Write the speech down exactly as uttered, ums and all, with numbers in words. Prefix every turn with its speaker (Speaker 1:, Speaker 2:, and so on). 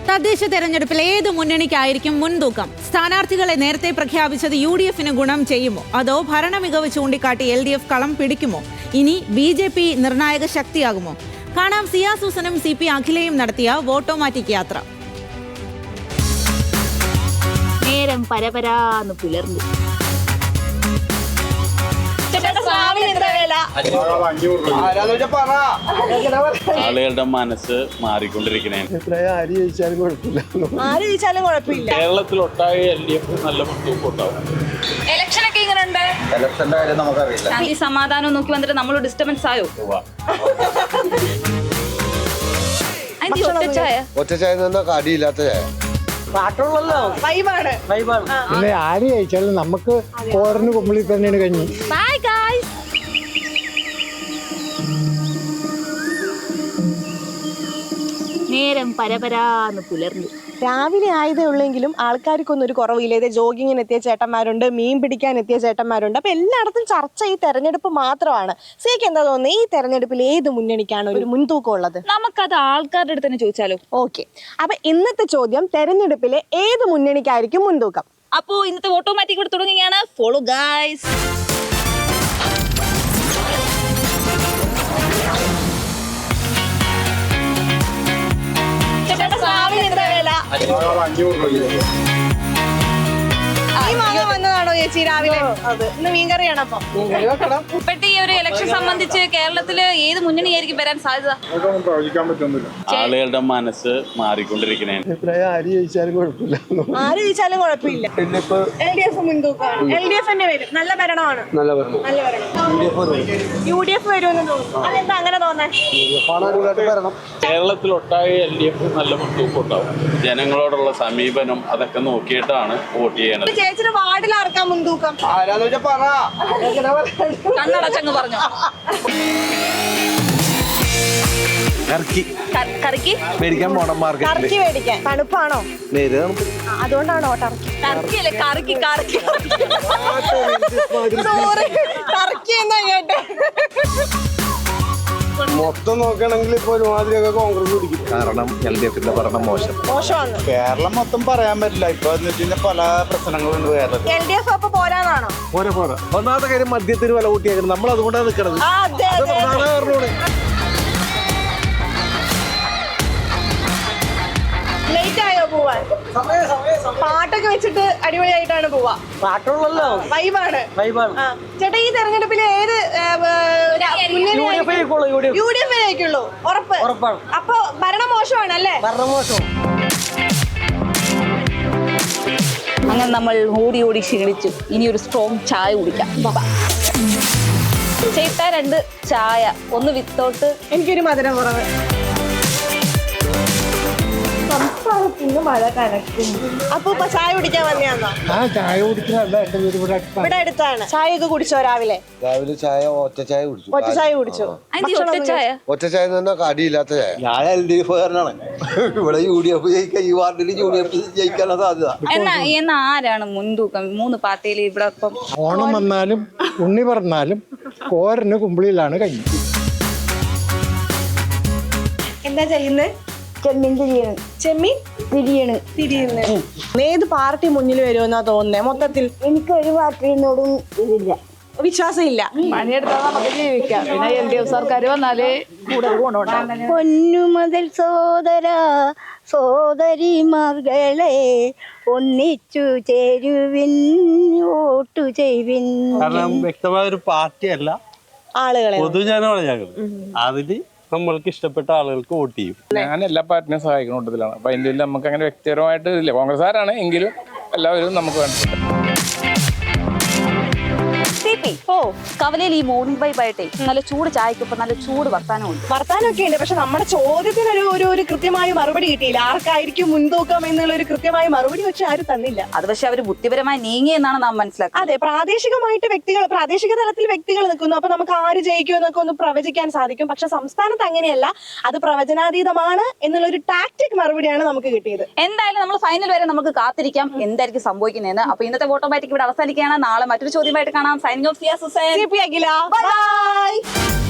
Speaker 1: തദ്ദേശ തെരഞ്ഞെടുപ്പിൽ ഏത് മുന്നണിക്കായിരിക്കും മുൻതൂക്കം? സ്ഥാനാർത്ഥികളെ നേരത്തെ പ്രഖ്യാപിച്ചത് യു ഡി എഫിന് ഗുണം ചെയ്യുമോ, അതോ ഭരണ മികവ് ചൂണ്ടിക്കാട്ടി എൽ ഡി എഫ് കളം പിടിക്കുമോ? ഇനി ബി ജെ പി നിർണായക ശക്തിയാകുമോ? കാണാം സിയാ സൂസനും സി പി അഖിലയും നടത്തിയ വോട്ടോമാറ്റിക് യാത്ര.
Speaker 2: നേരം പരപരാന്ന് പുലർന്നു.
Speaker 3: ആളുകളുടെ മനസ്സ് മാറിക്കൊണ്ടിരിക്കണേ. കേരളത്തിലൊട്ടാകെ എൽ ഡി എഫ് നല്ല മുൻതൂക്കം ഉണ്ടാവും.
Speaker 2: ഇലക്ഷനൊക്കെ ഇങ്ങനെയുണ്ട്.
Speaker 4: ഇലക്ഷന്റെ കാര്യം നമുക്കറിയില്ല.
Speaker 2: ഈ സമാധാനം നോക്കി വന്നിട്ട് നമ്മൾ ഡിസ്റ്റർബൻസ് ആയോ? ഒറ്റച്ചായ
Speaker 4: ഒറ്റച്ചായ കടിയില്ലാത്ത ചായ
Speaker 5: പിന്നെ ആര് കഴിച്ചാലും നമുക്ക് കോറിന് കുമ്പളി തന്നെയാണ് കഞ്ഞി.
Speaker 2: Bye guys. നേരം പരപരാന്ന് പുലർന്നു.
Speaker 6: രാവിലെ ആയതേ ഉള്ളെങ്കിലും ആൾക്കാർക്കൊന്നും ഒരു കുറവില്ല. ഇത് ജോഗിങ്ങിന് എത്തിയ ചേട്ടന്മാരുണ്ട്, മീൻ പിടിക്കാൻ എത്തിയ ചേട്ടന്മാരുണ്ട്. അപ്പൊ എല്ലായിടത്തും ചർച്ച ഈ തെരഞ്ഞെടുപ്പ് മാത്രമാണ്. സിക്ക് എന്താ തോന്നുന്നത്, ഈ തെരഞ്ഞെടുപ്പിൽ ഏത് മുന്നണിക്കാണ് ഒരു മുൻതൂക്കം ഉള്ളത്?
Speaker 2: നമുക്കത് ആൾക്കാരുടെ അടുത്ത് തന്നെ ചോദിച്ചാലോ?
Speaker 6: ഓക്കെ, അപ്പൊ ഇന്നത്തെ ചോദ്യം തെരഞ്ഞെടുപ്പിലെ ഏത് മുന്നണിക്കായിരിക്കും മുൻതൂക്കം?
Speaker 2: അപ്പോ ഇന്നത്തെ ഓട്ടോമാറ്റിക് കൂടെ തുടങ്ങുകയാണ്. Follow guys.
Speaker 6: വന്നതാണോ ചേച്ചി രാവിലെ? ഇന്ന് മീൻകറിയാണ്. അപ്പൊ
Speaker 2: ഇപ്പോഴത്തെ ഈ ഒരു ഇലക്ഷൻ സംബന്ധിച്ച് കേരളത്തില് ഏത് മുന്നണിയായിരിക്കും വരാൻ സാധ്യത?
Speaker 3: ആളുകളുടെ മനസ്സ് മാറിക്കൊണ്ടിരിക്കണേ.
Speaker 6: ആര് ജയിച്ചാലും കുഴപ്പമില്ല. എൽ ഡി എഫ് മുൻതൂക്കമാണ്. എൽ ഡി എഫ് തന്നെ വരും. നല്ല ഭരണമാണ്. നല്ല ഭരണം. യു ഡി എഫ് വരുമെന്ന് തോന്നുന്നു. അതെന്താ അങ്ങനെ തോന്നാൻ?
Speaker 3: കേരളത്തിലൊട്ടാകെ എൽ ഡി എഫ് നല്ല മുൻതൂക്കം ഉണ്ടാവും. ജനങ്ങളോടുള്ള സമീപനം അതൊക്കെ നോക്കിയിട്ടാണ് വോട്ട് ചെയ്യണത്.
Speaker 6: ചേച്ചിയുടെ വാർഡിൽ ആർക്കാ മുൻതൂക്കം?
Speaker 2: കണ്ണടച്ചങ്ങ് പറഞ്ഞു. കറിക്ക്
Speaker 4: മേടിക്കാൻ പോണം മാർക്കറ്റിൽ.
Speaker 6: ടർക്കി മേടിക്കാൻ. തണുപ്പാണോ? അതുകൊണ്ടാണോ ടർക്കി?
Speaker 2: ടർക്കി അല്ലേ, കറിക്ക് കറിക്ക്.
Speaker 6: സോറി, ടർക്കി എന്നാ കേട്ടെ.
Speaker 4: മൊത്തം നോക്കുകയാണെങ്കിൽ ഇപ്പൊ ഒരുമാതിരിയൊക്കെ കോൺഗ്രസ് പിടിക്കും. കാരണം എൽ ഡി എഫിന്റെ ഭരണം മോശം
Speaker 6: മോശമാണ്.
Speaker 4: കേരളം മൊത്തം പറയാൻ പറ്റില്ല. ഇപ്പൊ പല പ്രശ്നങ്ങളുണ്ട് കേരളത്തിൽ.
Speaker 6: എൽ ഡി എഫ് അപ്പൊ പോരാന്നാണോ?
Speaker 4: പോരാ പോരാ ഒന്നാമത്തെ കാര്യം മദ്യത്തിന് വില കൂട്ടിയേക്കണം. നമ്മൾ അതുകൊണ്ടാണ് നിൽക്കണത്.
Speaker 6: ലേറ്റ് ആയോ പോവാൻ? പാട്ടൊക്കെ വെച്ചിട്ട് അടിപൊളിയായിട്ടാണ് പോവാ. പാട്ടുള്ളല്ലോ, വൈബാണ്. ചേട്ടാ, ഈ തെരഞ്ഞെടുപ്പിൽ ഏത് യു ഡി എഫ് ആയിരിക്കുള്ളൂ? ഉറപ്പ്? അപ്പൊ ഭരണം മോശമാണ് അല്ലേ?
Speaker 2: അങ്ങനെ നമ്മൾ ഓടി ഓടി ക്ഷീണിച്ചു. ഇനി ഒരു സ്ട്രോങ് ചായ കുടിക്കാം. ചേട്ടാ, രണ്ട് ചായ, ഒന്ന് വിത്തൗട്ട്.
Speaker 6: എനിക്കൊരു മധുരം കുറവ്. സംസ്ഥാനത്തിന് മഴ കനക്കും. അപ്പൊ ചായ കുടിക്കാൻ വന്നെയാണോ?
Speaker 5: ആ ചായ കുടിക്കുന്നല്ല, എന്റെ വീട് ഇവിടെ
Speaker 6: ഇവിടെ അടുത്താണ്. ചായ ഒക്കെ കുടിച്ചോ? രാവിലെ
Speaker 4: രാവിലെ ചായ ഒറ്റ ചായ കുടിച്ചു.
Speaker 6: ഒറ്റ ചായ കുടിച്ചു.
Speaker 2: ഒറ്റച്ചായ
Speaker 4: ഒറ്റ ചായ തന്നെ കടിയില്ലാത്ത ചായ. ഞാൻ എൽ ഡി എഫ് കാരനാണ്. ഇവിടെ യു ഡി എഫ് ജയിക്കാൻ, ഈ വാർഡിൽ യു ഡി എഫ് ജയിക്കാനുള്ള സാധ്യത.
Speaker 2: എന്നാ എന്നാ ആരാണ് മുൻതൂക്കം മൂന്ന് പാർട്ടിയിൽ? ഇവിടെ ഇപ്പം
Speaker 5: ഓണം വന്നാലും ഉണ്ണി പറഞ്ഞാലും കോരന് കുമ്പിളിയിലാണ് കഞ്ഞി.
Speaker 6: എന്താ ചെയ്യുന്നത്? ചെമ്മീൻ തിരിയാണ്. ചെമ്മീൻ തിരിയാണ്. തിരിയുന്നു. ഏത് പാർട്ടി മുന്നിൽ വരുമെന്നാ തോന്നുന്നേ മൊത്തത്തിൽ?
Speaker 7: എനിക്ക് ഒരു പാർട്ടിയോടും ഇതില്ല,
Speaker 6: വിശ്വാസം ഇല്ല.
Speaker 8: പണിയെടുത്താൽ നമുക്ക് ജീവിക്കാം. പിന്നെ എൽ ഡി എഫ് സർക്കാർ വന്നാലേ കൂടുതൽ ഗുണമുണ്ടാകും.
Speaker 7: പൊന്നു മുതൽ സോദര സോദരിമാർകളെ ഒന്നിച്ചു ചേരുവിൻ, വോട്ടു ചെയ്യുവിൻ.
Speaker 9: കാരണം വ്യക്തമായ ഒരു പാർട്ടിയല്ല,
Speaker 6: ആളുകളെ
Speaker 9: പൊതുജനമാണ് ഞങ്ങൾ. അതില് നമ്മൾക്ക് ഇഷ്ടപ്പെട്ട ആളുകൾക്ക് വോട്ട് ചെയ്യും.
Speaker 10: ഞാൻ എല്ലാ പാർട്ടിനെയും സഹായിക്കുന്ന കൂട്ടത്തിലാണ്. അപ്പൊ അതിൻ്റെ നമുക്ക് അങ്ങനെ വ്യക്തിപരമായിട്ട് ഇല്ല. കോൺഗ്രസ്സുകാരാണ് എങ്കിലും എല്ലാവരും നമുക്ക് വേണ്ടത്.
Speaker 2: ഓ, കവലയിൽ ഈ മോർണിംഗ് വൈബ് ആയിട്ടേ നല്ല ചൂട് ചായക്കൊപ്പം നല്ല ചൂട് വർത്താനമുണ്ട്.
Speaker 6: വർത്താനൊക്കെ ഉണ്ട്. പക്ഷെ നമ്മുടെ ചോദ്യത്തിനൊരു ഒരു ഒരു കൃത്യമായ മറുപടി കിട്ടിയില്ല. ആർക്കായിരിക്കും മുൻതൂക്കം എന്നുള്ള ഒരു കൃത്യമായ മറുപടി പക്ഷെ ആരും തന്നില്ല.
Speaker 2: അത് പക്ഷെ അവര് ബുദ്ധിപരമായി നീങ്ങി എന്നാണ് നാം മനസ്സിലാക്കുന്നത്.
Speaker 6: അതെ, പ്രാദേശികമായിട്ട് വ്യക്തികൾ, പ്രാദേശിക തലത്തിൽ വ്യക്തികൾ നിൽക്കുന്നു. അപ്പൊ നമുക്ക് ആര് ജയിക്കും എന്നൊക്കെ ഒന്ന് പ്രവചിക്കാൻ സാധിക്കും. പക്ഷെ സംസ്ഥാനത്ത് അങ്ങനെയല്ല. അത് പ്രവചനാതീതമാണ് എന്നുള്ള ഒരു ടാക്ടിക് മറുപടിയാണ് നമുക്ക് കിട്ടിയത്.
Speaker 2: എന്തായാലും നമ്മൾ ഫൈനൽ വരെ നമുക്ക് കാത്തിരിക്കാം എന്തായിരിക്കും സംഭവിക്കുന്നതെന്ന്. അപ്പൊ ഇന്നത്തെ ഓട്ടോമാറ്റിക് ഇവിടെ അവസാനിക്കുകയാണ്. നാളെ മറ്റൊരു ചോദ്യമായിട്ട് കാണാം. Signing off.
Speaker 6: Bye.